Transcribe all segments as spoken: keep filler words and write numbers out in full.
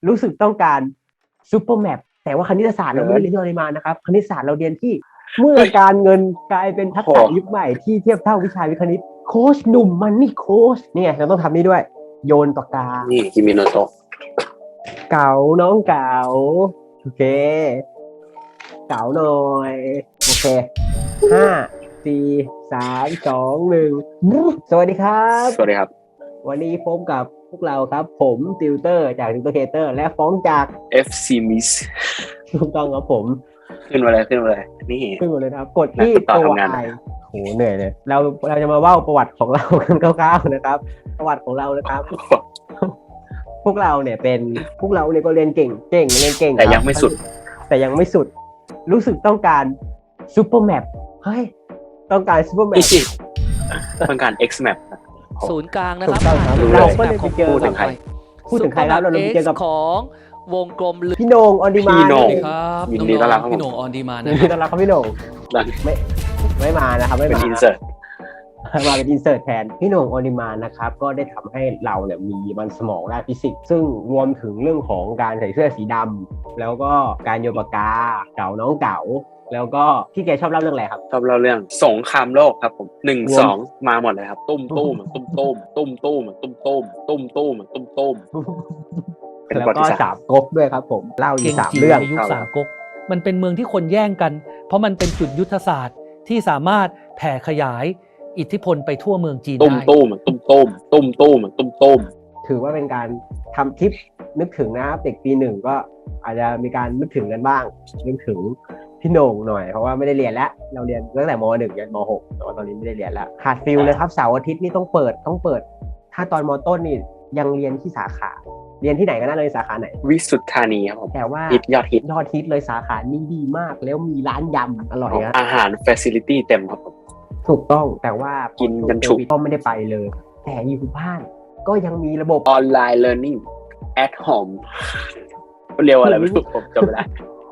รู้สึกต้องการซูเปอร์แมปแต่ว่าคณิตศาสตร์เราไม่ได้เรียนที่ปริมาณนะครับคณิตศาสตร์เราเรียนที่เมื่อการเงินกลายเป็นทักษะยุคใหม่ที่เทียบเท่าวิชาวิทย์คณิตโค้ชหนุ่มมันนี่โค้ชเนี่ยเราต้องทำนี่ด้วยโยนปากกานี่คิมิโนโตะเก๋าน้องเก๋าโอเคเก๋าหน่อยโอเคห้าสี่สามสองหนึ่งสวัสดีครับสวัสดีครับวันนี้พบกับพวกเราครับผมติวเตอร์จากติวเตอร์เคเตอร์และฟ้องจากเอฟ ซี Miss ถูกต้องครับผมขึ้นมาเลยขึ้นมาเลยนี่ขึ้นมาเลยครับกดที่ตัวไอโหเหนื่อยเลยเราเราจะมาเล่าประวัติของเรากันคร่าวๆนะครับประวัติของเรานะครับพวกเราเนี่ยเป็นพวกเราเนี่ยก็เรียนเก่งเก่งเรียนเก่งแต่ยังไม่สุดแต่ยังไม่สุดรู้สึกต้องการซูเปอร์แมปเฮ้ยต้องการซูเปอร์แมปต้องการ X map ศูนย์กลางนะครับเราก็เลยไปเจอพูดถึงใครพูดถึงใครครับเราไปเจอกับของวงกลมพี่โหน่งออนดีมาพี่โหน่งครับยินดีต้อนรับพี่โหน่งออนดีมานะยินดีต้อนรับครับพี่โหน่งไม่ไม่มานะครับไม่มาเป็นอินเสิร์ตมาเป็นอินเสิร์ตแทนพี่โหน่งออนดีมานะครับก็ได้ทำให้เราเนี่ยมีมันสมองด้านฟิสิกส์ซึ่งรวมถึงเรื่องของการใส่เสื้อสีดำแล้วก็การโยนปากกาเก๋าน้องเก๋าแล้วก็ที่แกชอบเล่าเรื่องอะไรครับชอบเล่าเรื่องสงครามโลกครับผมหนึ่งสองมาหมดเลยครับตุ้มตุ้มตุ้มตุ้มตุ้มตุ้มตุ้มตุ้มตุ้มตุ้มตุ้มตุ้มแล้วก็สามก๊กด้วยครับผมเล่าอยู่สามเรื่องยุคสามก๊กมันเป็นเมืองที่คนแย่งกันเพราะมันเป็นจุดยุทธศาสตร์ที่สามารถแผ่ขยายอิทธิพลไปทั่วเมืองจีนได้ตุ้มตุ้มตุ้มตุ้มตุ้มตุ้มตุ้มตุ้มถือว่าเป็นการทำคลิปนึกถึงนะครับเด็กปีหนึ่งก็อาจจะมีการนึกถึงกันบ้างนึกถึงพี่โหน่งหน่อยเพราะว่าไม่ได้เรียนแล้วเราเรียนตั้งแต่ม.หนึ่ง ยันม.หก แต่ว่าตอนนี้ไม่ได้เรียนแล้วขาดฟิลเลยครับเสาร์อาทิตย์นี่ต้องเปิดต้องเปิดถ้าตอนม.ต้นนี่ยังเรียนที่สาขาเรียนที่ไหนก็น่าเลยสาขาไหนวิสุทธานีครับผมแต่ว่าฮิตยอดฮิตยอดฮิตเลยสาขานี้ดีมากแล้วมีร้านยำอร่อยนะอาหารเฟซิลิตี้เต็มครับผมถูกต้องแต่ว่ากินกันฉุกก็ไม่ได้ไปเลยแต่อยู่บ้านก็ยังมีระบบออนไลน์ learning at home เรียกว่าอะไรไม่รู้ผมจำไม่ได้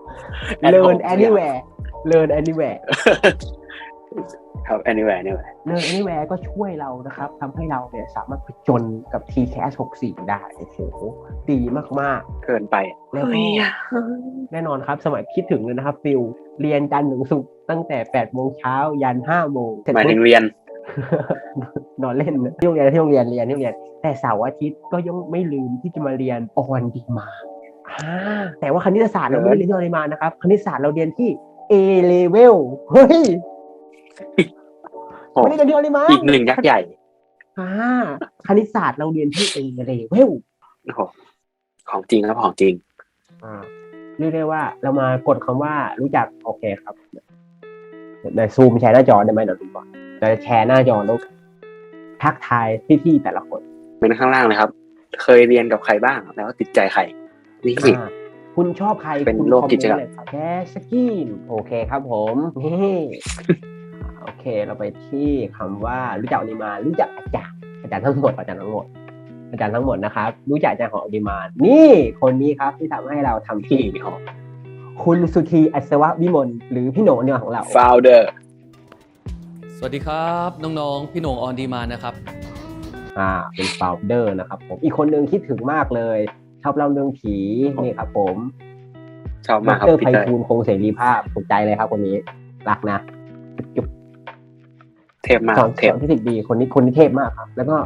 learn anywhere learn anywhere ครับ anywhere anywhere learn anywhere ก็ช่วยเรานะครับทำให้เราเนี่ยสามารถผจญกับ ที แคส หกสิบสี่ได้โอ้โหดีมากๆเกินไปแล้วแน่นอนครับสมัยคิดถึงเลยนะครับฟิลเรียนจันทร์ถึงศุกร์ตั้งแต่แปดโมงเช้ายันห้าโมงหมายถึงเรียนนอนเล่นที่โรงเรียนที่โรงเรียนเรียนที่โรงเรียนแต่เสาร์อาทิตย์ก็ยังไม่ลืมที่จะมาเรียนออนดีมาแต่ว่าคณิตศาสตร์เราไม่ได้เรียนที่ออนดีมานะครับคณิตศาสตร์เราเรียนที่ A level เฮ้ยไม่ได้เรียนที่ออนดีมาอีกหนึ่งยักษ์ใหญ่อ่าคณิตศาสตร์เราเรียนที่ A level โอ้โหของจริงครับของจริงอ่าเรียกได้ว่าเรามากดคำว่ารู้จักโอเคครับเดี๋ยวซูมแชร์หน้าจอได้ไหมเดี๋ยวดูก่อนจะแชร์หน้าจอแล้วทักทายพี่ๆแต่ละคนเป็นข้างล่างเลยครับเคยเรียนกับใครบ้างแล้วติดใจใครนี่คุณชอบใครเป็นโลกกิจกรรมแคสกินโอเคครับผมนี่โอเคเราไปที่คำว่ารู้จักอนิมารู้จักอาจารย์อาจารย์ทั้งหมดอาจารย์ทั้งหมดอาจารย์ทั้งหมดนะครับรู้จักอาจารย์ของอนิมานี่คนนี้ครับที่ทำให้เราทำที่คุณสุธีอัศววิมลหรือพี่โหน่งอนิมาของเรา founder สวัสดีครับน้องๆพี่โหน่งออนดีมานะครับอ่าเป็น founder นะครับผมอีกคนนึงคิดถึงมากเลยชอบเล่าเรื่องผีนี่ครับผมชอบมากครับดร.ไพฑูรย์คงเสรีภาพถูกใจเลยครับคนนี้รักนะจุ๊บเทพมากเทพที่สิบดีคนนี้คนนี้เทพมากครับแล้วก็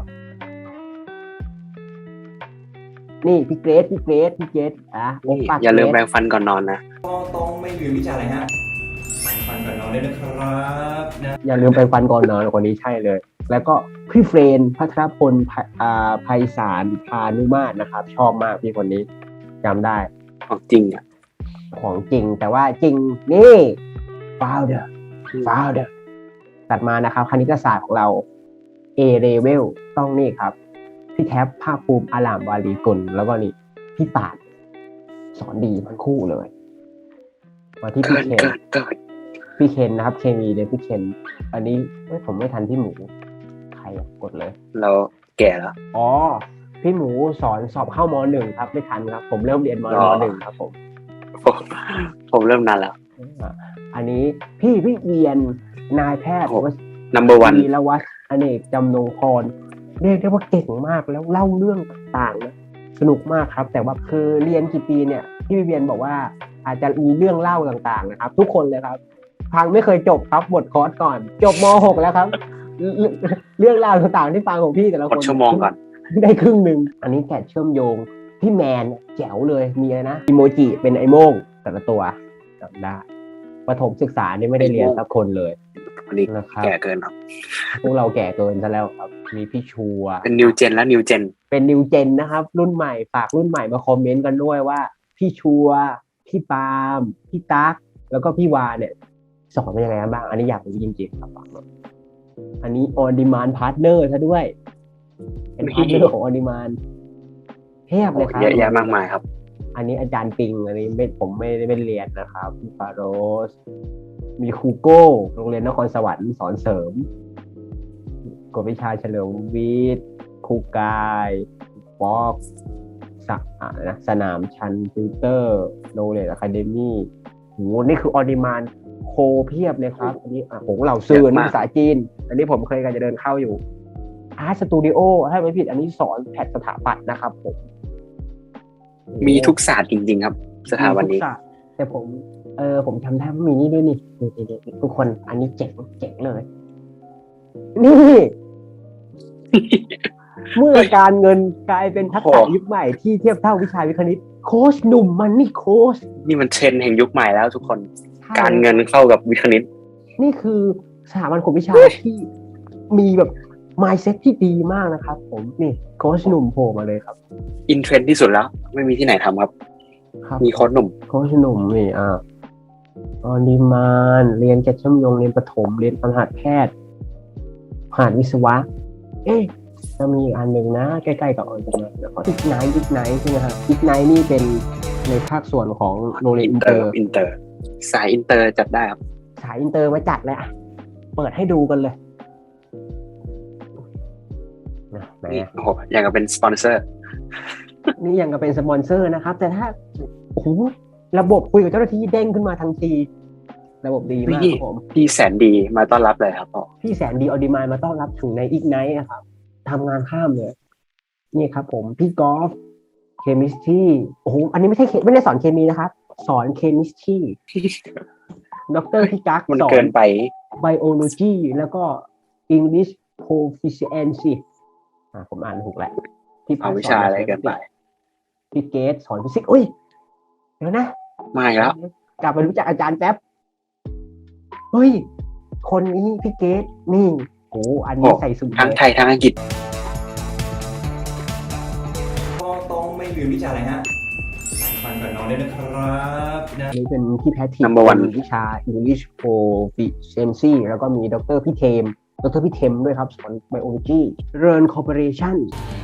นี่พี่เกรซพี่เกรซพี่เกรซอ่ะอย่าลืมแปรงฟันก่อนนอนนะก็ต้องไม่ลืมวิชาอะไรฮะแปรงฟันก่อนนอนด้วยนะครับนะอย่าลืมแปรงฟันก่อนนอนคนนี้ใช่เลยแล้วก็พี่เฟรนพัทรพลไพศาลพานุมาตรนะครับชอบมากพี่คนนี้จำได้ของจริงอ่ะของจริงแต่ว่าจริงนี่ founder founder ตัดมานะครับคณิตศาสตร์ของเรา A level ต้องนี่ครับพี่แท็บภาคภูมิอลามวารีกุลแล้วก็นี่พี่ปาดสอนดีทั้งคู่เลยมาที่พี่เคนพี่เคนนะครับเคมีเลยพี่เคนอันนี้ไม่ผมไม่ทันพี่หมูใครกดเลยเราแก่แล้วอ๋อพี่หมูสอนสอบเข้าม หนึ่ง ครับไม่ทันครับผมเริ่มเรียนม หนึ่ง ครับผมผมเริ่มนานแล้วอันนี้พี่วิเวียนนายแพทย์ number วันวีรวัฒน์อเนกจำนงพรเรียกได้ว่าเก่งมากแล้วเล่าเรื่องต่างๆนะสนุกมากครับ แต่ว่าคือเรียนกี่ปีเนี่ยพี่วิเวียนบอกว่าอาจจะมีเรื่องเล่าต่างๆนะครับ ทุกคนเลยครับฟังไม่เคยจบครับบทคอร์สก่อน จบม หก แล้วครับ เรื่องเรื่องราวต่างๆที่ฟังของพี่แต่ละกคดนชั่วโมงก่อนได้ครึ่งหนึ่งอันนี้แกะเชื่อมโยงพี่แมนแจ๋วเลยมีอะไรนะอีโมจิเป็นไอโม่งแต่ละตัวจำได้ประถมศึกษานี่ไม่ได้เรียนสักคนเลยวันนี้นะครับแก่เกินครับพวกเราแก่เกินซะแล้วครับมีพี่ชัวเป็นนิวเจนและนิวเจนเป็นนิวเจนนะครับ รุ่นใหม่ฝากรุ่นใหม่มาคอมเมนต์กันด้วยว่า พี่ชัวพี่ปาล์มพี่ตั๊กแล้วก็พี่วาเนี่ยสอนเป็นยังไงบ้าง อันนี้อยากรู้จริงๆครับอันนี้ on demand partner ซะด้วย เป็นพาร์ทเนอร์ของ on demand เทียบเลยครับเยอะแยะมากมายครับอันนี้อาจารย์ปิงอันนี้ไม่ผมไม่ได้ไปเรียนนะครับพี่ฟาโรส มีครูโก้โรงเรียนนครสวรรค์สอนเสริมกฎวิชาเฉลิมวิทย์ครูกายฟอกสะอ่านะสนามชันฟิลเตอร์โนเลดอะคาเดมี่โหนี่คือออดิมานโคเพียบเลยครับ อันนี้อ่ะของเราซื่อเยอะมากภาษาจีน อันนี้ผมเคยกันจะเดินเข้าอยู่อาร์ตสตูดิโอถ้าไม่ผิดอันนี้สอนแพทสถาปัตย์นะครับผมมีทุกศาสตร์จริงๆครับ สถาบันนี้มีทุกศาสตร์แต่ผมเออผมจำได้ว่ามีนี่ด้วยนี่นี่นี่นี่ทุกคนอันนี้เจ๋งเจ๋งเลย นี่ เมื่อการเงินกลายเป็นทักษะโอ้ยุคใหม่ที่เทียบเท่าวิชาวิทย์คณิต โค้ชหนุ่มมันนี่โค้ชนี่มันเทรนด์แห่งยุคใหม่แล้วทุกคนใช่การเงินเข้ากับวิทย์คณิตนี่คือสถาบันของวิชาที่มีแบบ mindset ที่ดีมากนะครับ ผมนี่โค้ชหนุ่มโผล่มาเลยครับอินเทรนด์ที่สุดแล้ว ไม่มีที่ไหนทำครับครับมีโค้ชหนุ่มโค้ชหนุ่มนี่อ่าออนดีมานเรียนแกะเชื่อมโยงเรียนประถมเรียนคณะแพทย์ผ่านวิศวะ เอ๊ะจะมีอีกอันหนึ่งนะ ใกล้ๆกับออนดีมานนะครับอีกไนท์อีกไนท์ใช่ไหมครับอีกไนท์นี่เป็นในภาคส่วนของโรงเรียนอิอินนเตเตออร์ร์อินเตอร์ สายอินเตอร์จัดได้ครับสายอินเตอร์มาจัดเลยอ่ะ เปิดให้ดูกันเลยนะแหมนี่โอ้โหอย่างกับเป็นสปอนเซอร์นี่ยังกับเป็นสปอนเซอร์นะครับ แต่ถ้าโอ้โหระบบคุยกับเจ้าหน้าที่เด้งขึ้นมาทันที ระบบดีมากครับผมพี่แสนดีมาต้อนรับเลยครับพ่อพี่แสนดีออดิมายมาต้อนรับถึงในอีกไนท์นะครับทำงานข้ามเลย นี่ครับผม พี่กอล์ฟเคมิสตรีโอ้โหอันนี้ไม่ใช่เคไม่ได้สอนเคมีนะครับ สอนเคมิสตรีดรพี่กั๊กมันสอนเกินไปไบโอโลจีแล้วก็ English Proficiency อ่าผมอ่านถูกแหละพี่พัเอาฒน์วิชาอะไรเกินไปพี่เกตสอนฟิสิกส์อุ้ยเดี๋ยวนะมาอีกแล้วกลับไปรู้จักอาจารย์แป๊บ เฮ้ย คนนี้พี่เกตนี่โอ้อันนี้โอ้ใส่สูททั้งเลยไทยทั้งอังกฤษก็ต้องไม่ลืมวิชาอะไรฮะแปรงฟันก่อนนอนด้วยนะครับนะอันนี้เป็นพี่แพทริก Number one วิชา English Proficiency แล้วก็มีดรพี่เทม ดรพี่เทมด้วยครับสอน Biology Learn Corporation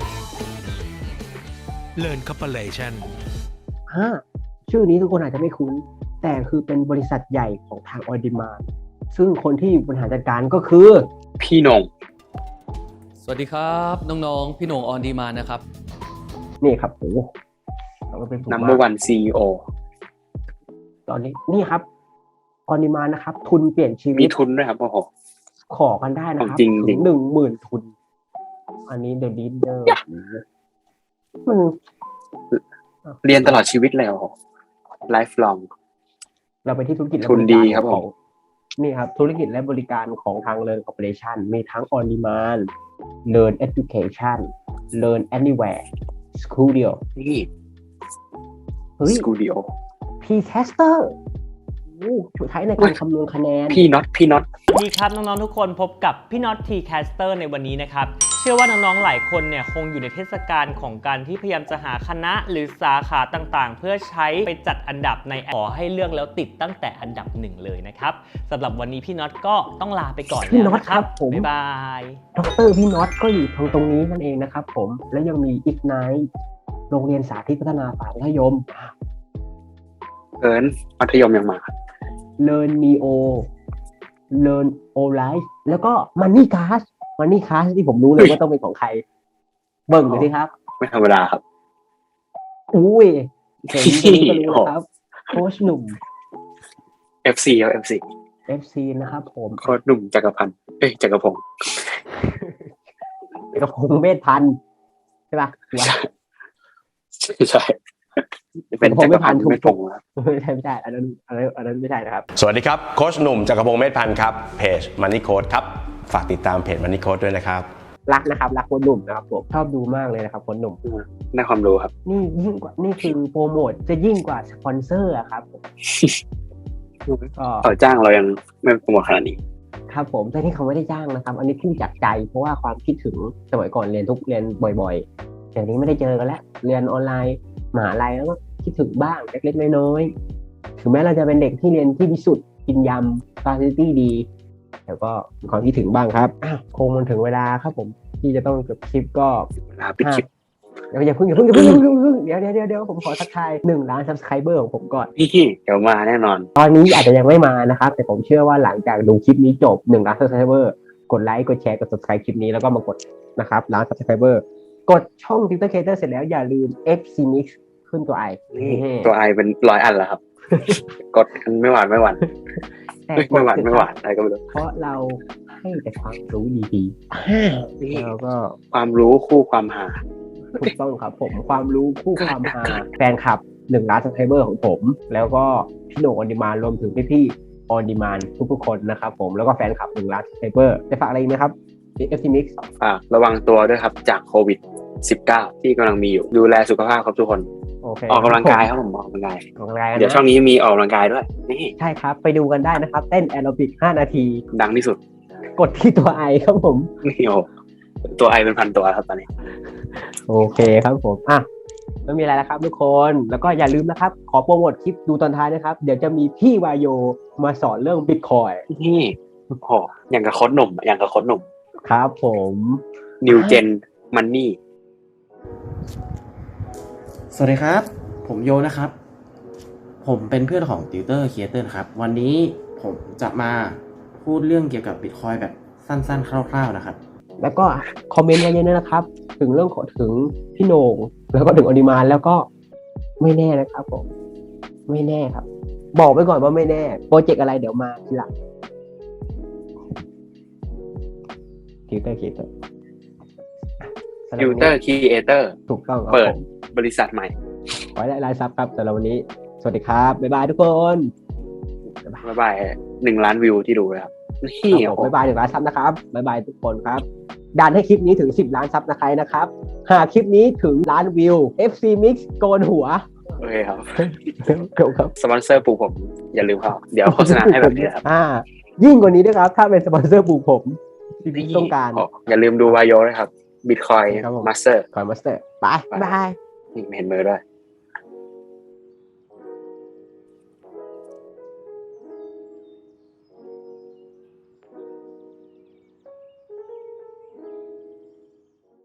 Learn Corporation ฮะชื่อนี้ทุกคนอาจจะไม่คุ้น แต่คือเป็นบริษัทใหญ่ของทาง On Demand ซึ่งคนที่บริหารจัดการก็คือพี่หนงสวัสดีครับ น้องๆ พี่โหน่งออนดีมานะครับนี่ครับโอ้เราก็เป็นถูก number มาก one ซี อี โอตอนนี้นี่ครับ On Demand นะครับ ทุนเปลี่ยนชีวิมีตทุนด้วยครับโอ้โหขอกันได้นะครับจริงๆถึงหนึ่งหมื่นทุน อันนี้ The Leader มันเรียนตลอดชีวิตเลยโอ้โห lifelong เราไปที่ธุรกิจและทุนดีบกาครับผมของนี่ครับ ธุรกิจและบริการของทาง Learn Corporation มีทั้ง On Demand Learn Education Learn Anywhere Studio นี่เฮ้ยสกูดิโอ P-Caster โอ้ช่วยใช้ในการคำนวณคะแนนพี่น็อตพี่น็อตสวัสดีครับน้องๆทุกคนพบกับพี่น็อตทีแคสเตอร์ในวันนี้นะครับเชื่อว่าน้องๆหลายคนเนี่ยคงอยู่ในเทศกาลของการที่พยายามจะหาคณะหรือสาขาต่างๆ เพื่อใช้ไปจัดอันดับในขอให้เลือกแล้วติดตั้งแต่อันดับหนึ่งเลยนะครับสำหรับวันนี้พี่น็อตก็ต้องลาไปก่อนพี่แล้วน็อตนะคครัรับบ ผมบ๊ายบายดรพี่น็อตก็อยู่ตรงตรงนี้นั่นเองนะครับผม และยังมี Ignite โรงเรียนสาธิตพัฒนาฝ่ายมัธยมเอินมัธยมยังมา Learn Neo Learn O Life แล้วก็ Money Class Money Class ที่ผมรู้เลยว่าต้องเป็นของใคร เบิ่งเลยสิครับไม่ธรรมดาครับอุ้ยเห็นตรงนี้ก็รู้แล้วครับ โค้ชหนุ่มเอฟ ซี ครับ เอฟ ซีเอฟ ซี นะครับผมโค้ชหนุ่มจักรพันธ์เอ้ยจักรพงศ์กระพงเวทพันธ์ใช่ปะใช่เป็นผมจักไม่รพัผ่าน นธ์ถูกไม่พงศ์ครับไม่ใช่ไม่ใช่อันนั้นอันนั้นอันนั้นไม่ใช่นะครับสวัสดีครับโค้ชหนุ่มจักรพงศ์เมธพันธ์ครับเพจ Money Coach ครับฝากติดตามเพจ Money Coach ด้วยนะครับรักนะครับรักคนหนุ่มนะครับผมชอบดูมากเลยนะครับคนหนุ่มได้ความรู้ครับนี่ยิ่งกว่านี่คือโปรโมทจะยิ่งกว่าสปอนเซอร์อะครับผมก็ต่อจ้างเรายังไม่โปรโมทขนาดนี้ครับผมแต่ที่เขาไม่ได้จ้างนะครับ อันนี้พูดจากใจเพราะว่าความคิดถึงสมัยก่อนเรียนทุกเรียนบ่อยๆเดี๋ยวนี้ไม่ได้เจอกันแล้วเรียนออนไลน์มหาลัยแล้วก็คิดถึงบ้างเล็กๆน้อยๆถึงแม้เราจะเป็นเด็กที่เรียนที่วิสุทธ์กินยำฟาซิลิตี้ดีแต่ก็มีความคิดถึงบ้างครับอ้าวคงมันถึงเวลาครับผมที่จะต้องจบคลิปก็ลาปิดคลิปเดี๋ยวอย่าเพิ่งอย่าเพิ่งอย่าเพิ่งอย่าเพิ่งอย่าเพิ่งเดี๋ยวเดี๋ยวเดี๋ยวเดี๋ยวผมขอทักทายหนึ่งล้าน subscriber ของผมก่อนพี่เดี๋ยวมาแน่นอนตอนนี้อาจจะยังไม่มานะครับ แต่ผมเชื่อว่าหลังจากดูคลิปนี้จบหนึ่งล้าน subscriber กดไลค์กดแชร์กด subscribe คลิปนี้แล้วก็มากดนะครับล้าน subscriber กดช่อง Twitter Creator เสร็จแล้วอย่าลืม เอฟ ซี Mix ขึ้นตัวไอนี่ตัวไอเป็นร้อยอันแล้วครับ กดกันไม่หวานไม่หวานแต่เอ้ยไม่หวานไม่หวานอะไรก็ไม่รู้เพราะเราให้แต่ความรู้ดีๆแล้วก็ความรู้คู่ความหาถูกต้องครับผมความรู้คู่ความฮาแฟนคลับหนึ่งล้าน subscriber ของผม แล้วก็พี่โหน่งออนดีมานรวมถึงพี่ๆออนดีมานทุกๆคนนะครับผมแล้วก็แฟนคลับหนึ่งล้าน subscriber จะฝากอะไรอีกไหมครับ เอฟ ซี Mix ฝากระวังตัวด้วยครับจากโควิด สิบเก้า ที่กำลังมีอยู่ดูแลสุขภาพครับทุกคนโอเคออกกำลังกายครับผมออกกำลังกายออกกำลังกายกันเดี๋ยวช่องนะนี้มีออกกำลังกายด้วย นี่ใช่ครับ ไปดูกันได้นะครับ เต้นแอโรบิกห้านาทีดังที่สุดกดที่ตัวไอครับผมนี่โอ้ตัวไอเป็นพันตัวครับตอนนี้โอเคครับผมอ่ะไม่มีอะไรแล้วครับทุกคนแล้วก็อย่าลืมนะครับ ขอโปรโมทคลิปดูตอนท้ายนะครับ เดี๋ยวจะมีพี่วายโยมาสอนเรื่องบิตคอยนี่โอ้โหอย่างกับโค้ชหนุ่มอย่างกับโค้ชหนุ่มครับผม New Gen Money สวัสดีครับ ผมโยนะครับ ผมเป็นเพื่อนของติวเตอร์ครีเอเตอร์ครับ วันนี้ผมจะมาพูดเรื่องเกี่ยวกับ Bitcoin แบบสั้นๆ คร่าวๆนะครับแล้วก็คอมเมนต์มาเยอะๆนะครับ ถึงเรื่องของถึงพี่โหน่งแล้วก็ถึงออนิมานแล้วก็ไม่แน่นะครับผมไม่แน่ครับ บอกไว้ก่อนว่าไม่แน่โปรเจกต์อะไรเดี๋ยวมาทีหลังติวเตอร์คิวเตอร์ Tutor Creator ถูกต้องครับเปิดผมบริษัทใหม่ขอให้ได้รายซับครับสำหรับวันนี้ สวัสดีครับ บ๊ายบายทุกคนบ๊ายบายหนึ่งล้านวิวที่ดูเลยครับ นี่ครับผมโอ้โหบ๊ายบายถึงล้านซับนะครับบ๊ายบายทุกคนครับดันให้คลิปนี้ถึงสิบล้านซับนะใครนะครับหากคลิปนี้ถึงล้านวิว เอฟ ซี Mix โกนหัวโอเคครับครับสปอนเซอร์ปลูกผมอย่าลืมเขาเดี๋ยวโฆษณาให้แบบนี้ครับอ่ายิ่งกว่านี้ด้วยครับ ถ้าเป็นสปอนเซอร์ปลูกผมที่พี่ต้องการอ๋ออย่าลืมดูวายโยนะครับ Bitcoin ครับผม Master คอยมาสเตอร์บายบายนี่ไม่เห็นมือด้วย